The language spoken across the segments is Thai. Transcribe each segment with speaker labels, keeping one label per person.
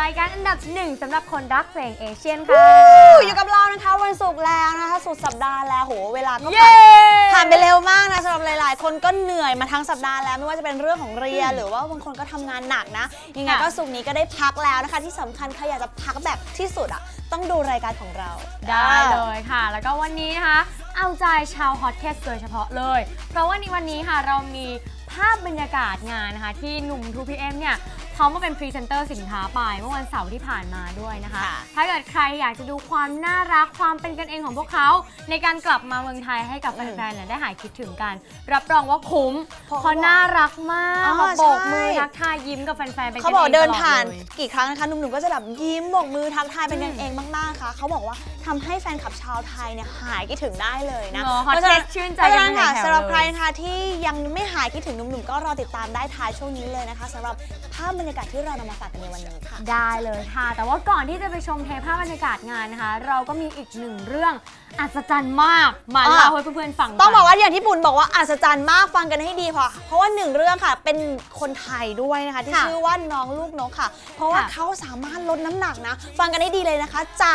Speaker 1: รายการอันดับหนึ่งสำหรับคนรักเพลงเอเชียนค่ะ
Speaker 2: อยู่กับเรานะคะวันศุกร์แล้วนะคะสุดสัปดาห์แล้วโหเวลาก็ผ่านไปเร็วมากนะสำหรับหลายๆคนก็เหนื่อยมาทั้งสัปดาห์แล้วไม่ว่าจะเป็นเรื่องของเรียนหรือว่าบางคนก็ทำงานหนักนะยังไงก็ศุกร์นี้ก็ได้พักแล้วนะคะที่สำคัญใครอยากจะพักแบบที่สุดอ่ะต้องดูรายการของเรา
Speaker 1: ได้เลยค่ะแล้วก็วันนี้นะคะเอาใจชาวฮอตเคสโดยเฉพาะเลยเพราะว่าในวันนี้ค่ะเรามีภาพบรรยากาศงานนะคะที่หนุ่ม 2PM เนี่ยเขามาเป็นพรีเซนเตอร์สินค้าไปเมื่อวันเสาร์ที่ผ่านมาด้วยนะคะถ้าเกิดใครอยากจะดูความน่ารักความเป็นกันเองของพวกเขาในการกลับมาเมืองไทยให้กับแฟนๆได้หายคิดถึงกันรับรองว่าคุ้มเพราะน่ารักมากโบกมือทักทายยิ้มกับแฟนๆเป็นกันเองเขาบอก
Speaker 2: เดินผ่านกี่ครั้งนะคะหนุ่มๆก็จะแบบยิ้มโบกมือทักทายเป็นกันเองมากๆค่ะเขาบอกว่าทำให้แฟนคลับชาวไทยเนี่ยหายคิดถึงได้เลยนะ
Speaker 1: เพราะฉะนั้นชื่นใจกันค่ะ
Speaker 2: สำหรับใครนะคะที่ยังไม่หายคิดถึงหนุ่มๆก็รอติดตามได้ท้ายช่วงนี้เลยนะคะสำหรับภาพบรรยากาศที่เรานำมาฝากกันในวันนี้ค่ะ
Speaker 1: ได้เลยค่ะแต่ว่าก่อนที่จะไปชมเทปภาพบรรยากาศงานนะคะเราก็มีอีกหนึ่งเรื่องอัศจรรย์มากมาเล่าให้เพื่อนๆฟัง
Speaker 2: ต้องบอกว่าอย่างที่ปุ่นบอกว่าอัศจรรย์มากฟังกันให้ดีค่ะเพราะว่าหนึ่งเรื่องค่ะเป็นคนไทยด้วยนะคะที่ชื่อว่าน้องลูกนกค่ะเพราะว่าเขาสามารถลดน้ำหนักนะฟังกันให้ดีเลยนะคะจาก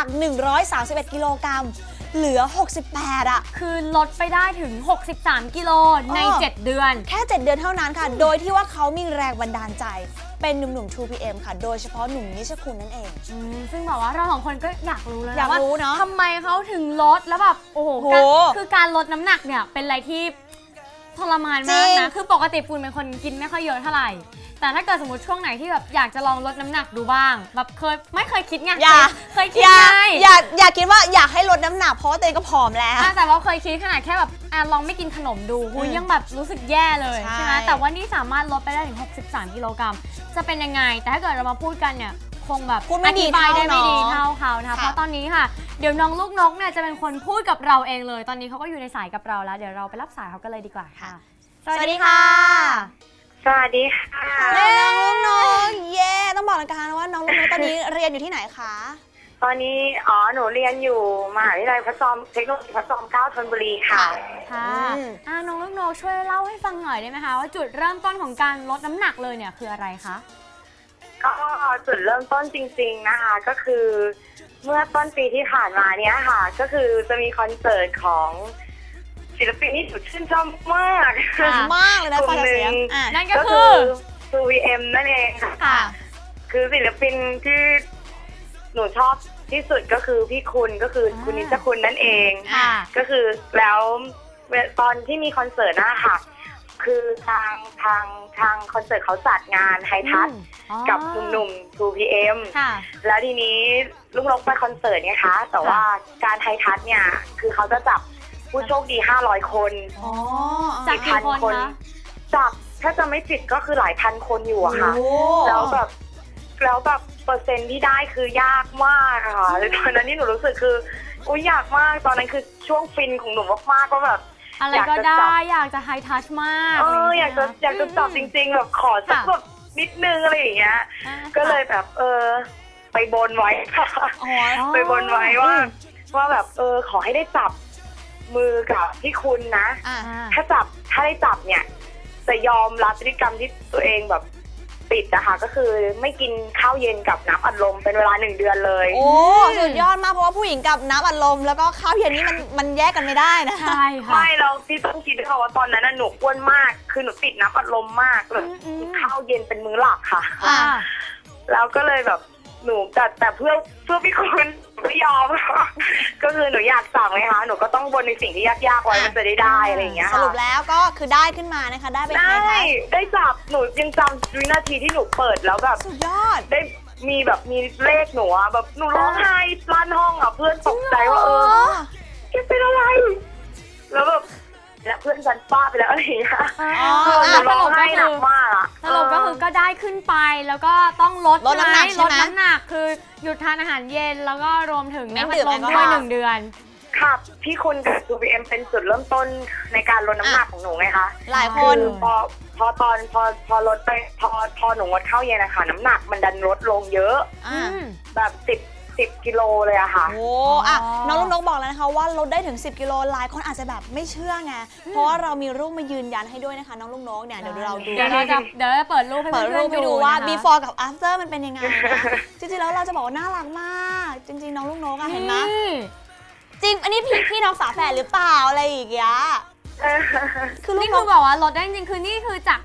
Speaker 2: 131กิโลกรัมเหลือ68อ่ะ
Speaker 1: คือลดไปได้ถึง63กิโลใน7เดือน
Speaker 2: แค่7เดือนเท่านั้นค่ะโดยที่ว่าเขามีแรงบันดาลใจเป็นหนุ่มๆ 2PM ค่ะโดยเฉพาะหนุ่มนิชคุณนั่นเอง
Speaker 1: ซึ่งบอกว่าเราสองคนก็อยากรู้แล้ว
Speaker 2: อยากรู้เนาะ
Speaker 1: ทำไมเขาถึงลดแล้วแบบโอ้โหคือการลดน้ำหนักเนี่ยเป็นอะไรที่ทรมานมากนะคือปกติปูนเป็นคนกินไม่ค่อยเยอะเท่าไหร่แต่ถ้าเกิดสมมติช่วงไหนที่แบบอยากจะลองลดน้ำหนักดูบ้างแบบไม่เคยคิดไงเคยคิดไง
Speaker 2: อยากคิดว่าอยากให้ลดน้ำหนักเพราะว่าตัวเองก็ผอมแล้ว
Speaker 1: แต่ว่าเคยคิดขนาดแค่แบบลองไม่กินขนมดูยังแบบรู้สึกแย่เลยใช่ไหมแต่ว่านี่สามารถลดไปได้ถึง63กิโลกรัมจะเป็นยังไงแต่ถ้าเกิดเรามาพูดกันเนี่ยคงแบบอธิบายได้ไม่ดีเท่าเขานะคะเพราะตอนนี้ค่ะเดี๋ยวน้องลูกนกเนี่ยจะเป็นคนพูดกับเราเองเลยตอนนี้เขาก็อยู่ในสายกับเราแล้วเดี๋ยวเราไปรับสายเขากันเลยดีกว่าค่ะ
Speaker 2: สวัสดีค่ะ
Speaker 3: สวัสดีค่ะ
Speaker 2: น้องลูกนกเย่ต้องบอกนะคะว่าน้องลูกนกตอนนี้เรียนอยู่ที่ไหนคะ
Speaker 3: ตอนนี้หนูเรียนอยู่มหาวิทยาลัยพระจอมเทคโนโลยีพระจอมเกล้าธนบุรีค่ะ
Speaker 1: น้องลูกนกช่วยเล่าให้ฟังหน่อยได้ไหมคะว่าจุดเริ่มต้นของการลดน้ำหนักเลยเนี่ยคืออะไรคะ
Speaker 3: ก็จุดเริ่มต้นจริงๆนะคะก็คือเมื่อต้นปีที่ผ่านมาเนี้ยค่ะก็คือจะมีคอนเสิร์ตของศิลปินที่หนูชื่นชอบมาก
Speaker 2: เลยนะฟังเสียง
Speaker 1: นั่นก็คือ
Speaker 3: 2PM นั่นเองค่ะคือศิลปินที่หนูชอบที่สุดก็คือพี่คุณก็คือคุณนิชคุณนั่นเองก็คือแล้วตอนที่มีคอนเสิร์ตนะคะคือทางคอนเสิร์ตเขาจัดงานไฮทัชกับหนุ่มๆ 2PM แล้วทีนี้ลูกนกไปคอนเสิร์ตไงคะแต่ว่าการไฮทัชเนี่ยคือเขาจะจับผู้โชคดี500คน
Speaker 1: จากกี่คนคะ
Speaker 3: จับถ้าจะไม่ผิดก็คือหลายพันคนอยู่อะค่ะแล้วแบบเปอร์เซ็นต์ที่ได้คือยากมากค่ะเลยตอนนั้นนี่หนูรู้สึกคืออยากมากตอนนั้นคือช่วงฟินของหนูมากๆก็แบบ
Speaker 1: อะไรก็ได้อยากจะไฮทัชมาก
Speaker 3: อยากจะจับจริงๆแบบขอสักแบบนิดนึงอะไรอย่างเงี้ยก็เลยแบบไปบนไว้ค่ะไปบนไว้ว่าแบบขอให้ได้จับมือกับพี่คุณนะถ้าได้จับเนี่ยจะยอมรับพฤติกรรมที่ตัวเองแบบปิดนะคะก็คือไม่กินข้าวเย็นกับน้ำอัดลมเป็นเวลา1 เดือนเลย
Speaker 2: โอ้สุดยอดมากเพราะว่าผู้หญิงกับน้ำอัดลมแล้วก็ข้าวเย็นนี่มันแยกกันไม่ได้นะ
Speaker 1: ใช่ค่ะ
Speaker 3: ไม่เราพี่ต้องคิดด้วยค่ะว่าตอนนั้นหนูอ้วนมากคือหนูติดน้ำอัดลมมากเลยข้าวเย็นเป็นมื้อหลักค่ะแล้วก็เลยแบบหนูแต่เพื่อพี่คุณไม่ยอมก็คือหนูอยากสั่งเลยค่ะหนูก็ต้องบนในสิ่งที่ยากๆไว้มันจะได้อะไรอย่างเงี้ย
Speaker 2: สรุปแล้วก็คือได้ขึ้นมานะคะได้เป็นไงคะ
Speaker 3: ได้จับหนูยังจำวินาทีที่หนูเปิดแล้วแบบ
Speaker 2: สุดยอด
Speaker 3: ได้มีเลขหนูอะแบบหนูร้องไห้ลั่นห้องอะเพื่อนตกใจว่าแกเป็นอะไรแล้วแบบเพื่อนฉันป้าไปแล้วอะไรอย่างเงี้ยหนูร้องไห้หนักมากอะ
Speaker 1: สรุปก็คือก็ได้ขึ้นไปแล้วก็ต้องลด
Speaker 2: น้ำหนัก
Speaker 1: ลดน้ำหนักคือหยุดทานอาหารเย็นแล้วก็รวมถึงน้ำอัดลมด้วย1 เดือน
Speaker 3: ค่ะพี่คุณกับ 2PM เป็นจุดเริ่มต้นในการลดน้ำหนักของหนูไงคะ
Speaker 2: หลายคน
Speaker 3: พอลดไปพอหนูงดข้าวเย็นนะคะน้ำหนักมันดันลดลงเยอะแบบ 10 กิโลเลยอะค่ะ
Speaker 2: โอ้อะน้องลูกนกบอกแล้วนะคะว่าลดได้ถึง10 กิโลหลายคนอาจจะแบบไม่เชื่อไงเพราะว่าเรามีรูปมายืนยันให้ด้วยนะคะน้องลูกนกเนี่ยเดี๋ยวเราดู
Speaker 1: เดี๋ยวเราเปิดรูปให้เพื่อนๆดู
Speaker 2: ว่า before กับ after มันเป็นยังไงจริงๆแล้วเราจะบอกว่าน่ารักมากจริงๆน้องลูกนกอะเห็นไหมจริงอันนี้พี่น้องฝาแฝดหรือเปล่าอะไรอย่างเงี้ย
Speaker 1: คือนี่คือบอกว่าลดได้จริงๆคือนี่คือจาก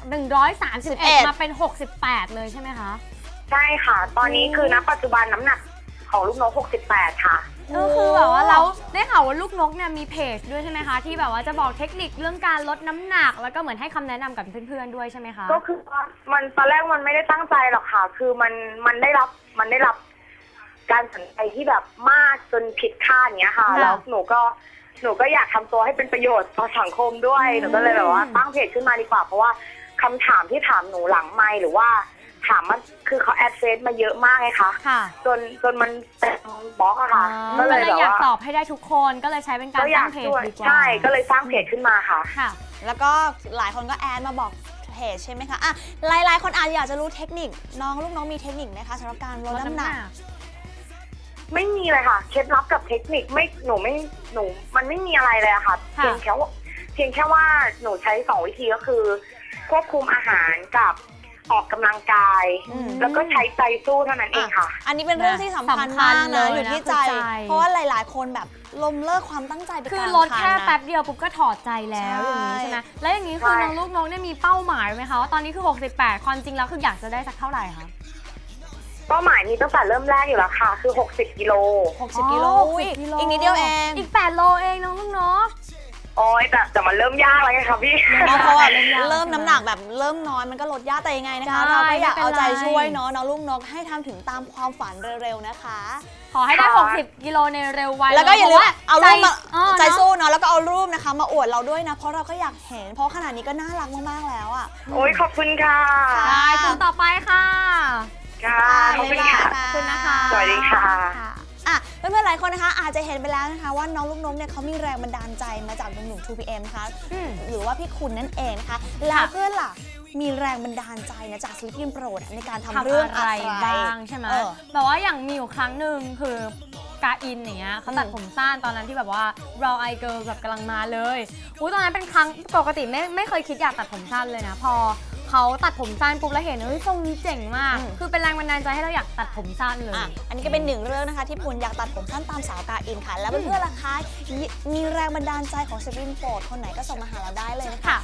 Speaker 1: 131มาเป็น68เลยใช่ไหมคะ
Speaker 3: ใช่ค่ะตอนนี้คือณปัจจุบันน้ำหนักของลูกนก68ค่ะ
Speaker 1: ก็คือแบบว่าเราได้ข่าวว่าลูกนกเนี่ยมีเพจด้วยใช่ไหมคะที่แบบว่าจะบอกเทคนิคเรื่องการลดน้ำหนักแล้วก็เหมือนให้คำแนะนำกับเพื่อนๆด้วยใช่ไหมคะ
Speaker 3: ก็คือมันตอนแรกมันไม่ได้ตั้งใจหรอกค่ะคือมันได้รับการสนใจที่แบบมากจนผิดคาดอย่างเงี้ยค่ะแล้วหนูก็อยากทำตัวให้เป็นประโยชน์ต่อสังคมด้วยหนูก็เลยแบบว่าตั้งเพจขึ้นมาดีกว่าเพราะว่าคำถามที่ถามหนูหลังไมค์หรือว่าถามมันคือเขาแอดเฟซมาเยอะมากไงคะจนมันเป็นบล็อกอะค่ะ
Speaker 1: ก็เลยอยากตอบให้ได้ทุกคนก็เลยใช้เป็นการสร้างเพจดีกว่า
Speaker 3: ใช่ก็เลยสร้างเพจขึ้นมาค่ะ
Speaker 2: แล้วก็หลายคนก็แอดมาบอกเพจใช่ไหมคะอ่ะหลายคนอาจจะอยากจะรู้เทคนิคน้องลูกน้องมีเทคนิคไหมคะสำหรับการลดน้ำหนัก
Speaker 3: ไม่มีเลยค่ะเคล็ดลับกับเทคนิคหนูมันไม่มีอะไรเลยอะค่ะเพียงแค่ว่าหนูใช้2 วิธีก็คือควบคุมอาหารกับออกกำลังกายแล้วก็ใช้ใจสู้เท่านั้นเองค่ะ
Speaker 2: อันนี้เป็นเรื่องที่สำคัญมากนะอยู่ที่ใจเพราะว่าหลายๆคนแบบล้มเลิกความตั้งใจไป
Speaker 1: คือลดแค่แป๊บเดียวปุ๊บก็ถอดใจแล้วอย่างนี้ใช่ไหมแล้วอย่างนี้คือน้องลูกน้องเนี่ยมีเป้าหมายไหมคะว่าตอนนี้คือ68ความจริงแล้วคืออยากจะได้สักเท่าไหร่คะ
Speaker 3: เป้าหมายนี้ตั้งแต่เริ่มแรกอยู่แล้วค่ะคือ60 กิโล
Speaker 2: 60 กิโลอีกนิดเดียวเอง
Speaker 1: อีก8 โลเองน้องลูกน้อง
Speaker 3: โอ้ยแต่มันเริ่มยากแล้วไงคะพี่
Speaker 2: เพราะว่าเริ่มน้ำหนักแบบเริ่มน้อยมันก็ลดยากแต่ยังไงนะคะเราก็อยากเอาใจช่วยเนาะน้องลูกนกให้ทำถึงตามความฝันเร็วๆนะคะ
Speaker 1: ขอให้ได้60 กิโลในเร็ววัน
Speaker 2: แล้วก็อย่าลืมเอารูปมาใจสู้เนาะแล้วก็เอารูปนะคะมาอวดเราด้วยนะเพราะเราก็อยากเห็นเพราะขนาดนี้ก็น่ารักมากๆแล้วอ่ะ
Speaker 3: โอ้ยขอบคุณค่ะ
Speaker 1: ได้คนต่อไปค่ะ
Speaker 3: ค่ะขอบคุณค่ะ
Speaker 1: ขอบคุณนะคะ
Speaker 3: สวัสดีค่ะ
Speaker 2: เพื่อนๆหลายคนนะคะอาจจะเห็นไปแล้วนะคะว่าน้องลูกนกเนี่ยเขามีแรงบันดาลใจมาจากหนุ่มๆ 2PM นะคะหรือว่าพี่คุณนั่นเองนะคะแล้วเพื่อนล่ะมีแรงบันดาลใจนะจากศิลปินโปรดในการทำเรื่องอะไร
Speaker 1: บ้างใช่ไหมแต่ว่าอย่างมีอยู่ครั้งหนึ่งคือกาอินอย่างเงี้ยเขาตัดผมสั้นตอนนั้นที่แบบว่าเราไอเกิร์ลแบบกำลังมาเลยตอนนั้นเป็นครั้งปกติไม่เคยคิดอยากตัดผมสั้นเลยนะพอเขาตัดผมสั้นปุ๊บแล้วเห็นทรงนี้เจ๋งมากคือเป็นแรงบันดาลใจให้เราอยากตัดผมสั้นเลย
Speaker 2: อันนี้ก็เป็นหนึ่งเรื่องนะคะที่ปุ่นอยากตัดผมสั้นตามสาวกาอินค่ะแล้วเพื่อนๆล่ะคะมีแรงบันดาลใจของศิลปินโปรดคนไหนก็ส่งมาหาเราได้เลยนะคะ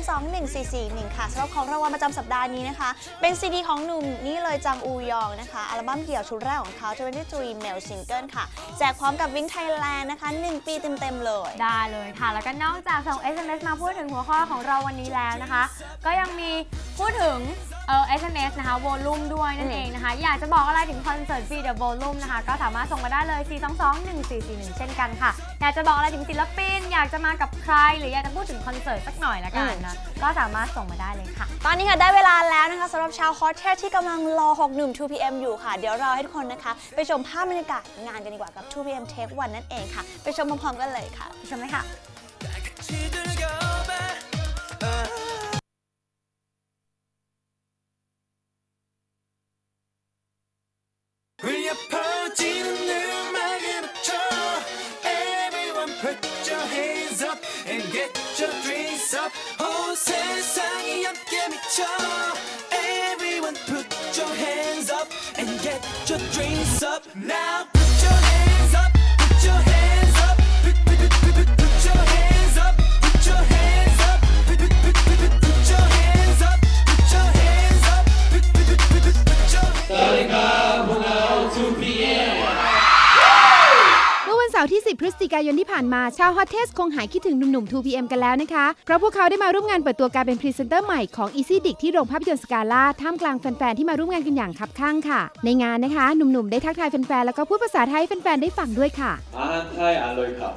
Speaker 2: 4221441ค่ะสำหรับของรางวัลประจำสัปดาห์นี้นะคะเป็นซีดีของหนุ่มนี่เลยจังอูยองนะคะอัลบั้มเดี่ยวชุดแรกของเขา23 Male Single ค่ะแจกพร้อมกับWink Thailandนะคะ1 ปีเต็มๆเลย
Speaker 1: ได้เลยค่ะแล้วก็นอกจากส่ง SMS มาพูดถึงหัวข้อของเราวันนี้แล้วนะคะก็ยังมีพูดถึงSMS นะคะโวลูมด้วยนั่นเองนะคะอยากจะบอกอะไรถึงคอนเสิร์ตฟรีเดอะโวลูมนะคะก็สามารถส่งมาได้เลย4221441เช่นกันค่ะอยากจะบอกอะไรถึงศิลปินอยากจะมากับใครหรืออยากจะพูดถึงคอนเสิร์ตสักหน่อยละกันนะก็สามารถส่งมาได้เลยค่ะ
Speaker 2: ตอนนี้ค่ะได้เวลาแล้วนะคะสำหรับชาวฮอตแคทที่กำลังรอ6หนุ่ม 2PM อยู่ค่ะเดี๋ยวเราให้ทุกคนนะคะไปชมภาพบรรยากาศงานกันดีกว่ากับ 2PM Take 1นั่นเองค่ะไปชมพร้อมๆกันเลยค่ะ
Speaker 1: ไปชมเลยค่ะ
Speaker 4: Everyone put your hands up and get your drinks up now put your hands up put your hands up put your hands up put your hands up put your hands up put your hands up put your สวัสดีครับพวกเรา 2PM
Speaker 5: เมื่อวันเสาร์ที่ 10 พฤศจิกายนที่ผ่านมาชาวฮอตเทสคงหายคิดถึงหนุ่มๆ 2PM กันแล้วนะคะเพราะพวกเขาได้มาร่วมงานเปิดตัวการเป็นพรีเซนเตอร์ใหม่ของ Easy Dick ที่โรงภาพยนตร์สกาล่าท่ามกลางแฟนๆที่มาร่วมงานกันอย่างคับคั่งค่ะในงานนะคะหนุ่มๆได้ทักทายแฟนๆแล้วก็พูดภาษาไทยให้แฟนๆได้ฟังด้วยค่ะ
Speaker 4: อาหารไทยอร่อยครับ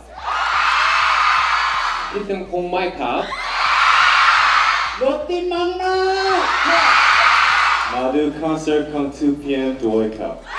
Speaker 4: คิดถึงคงไม่ครับรถติดมากนะมาดูคอนเสิร์ตของ 2PM ด้วยครับ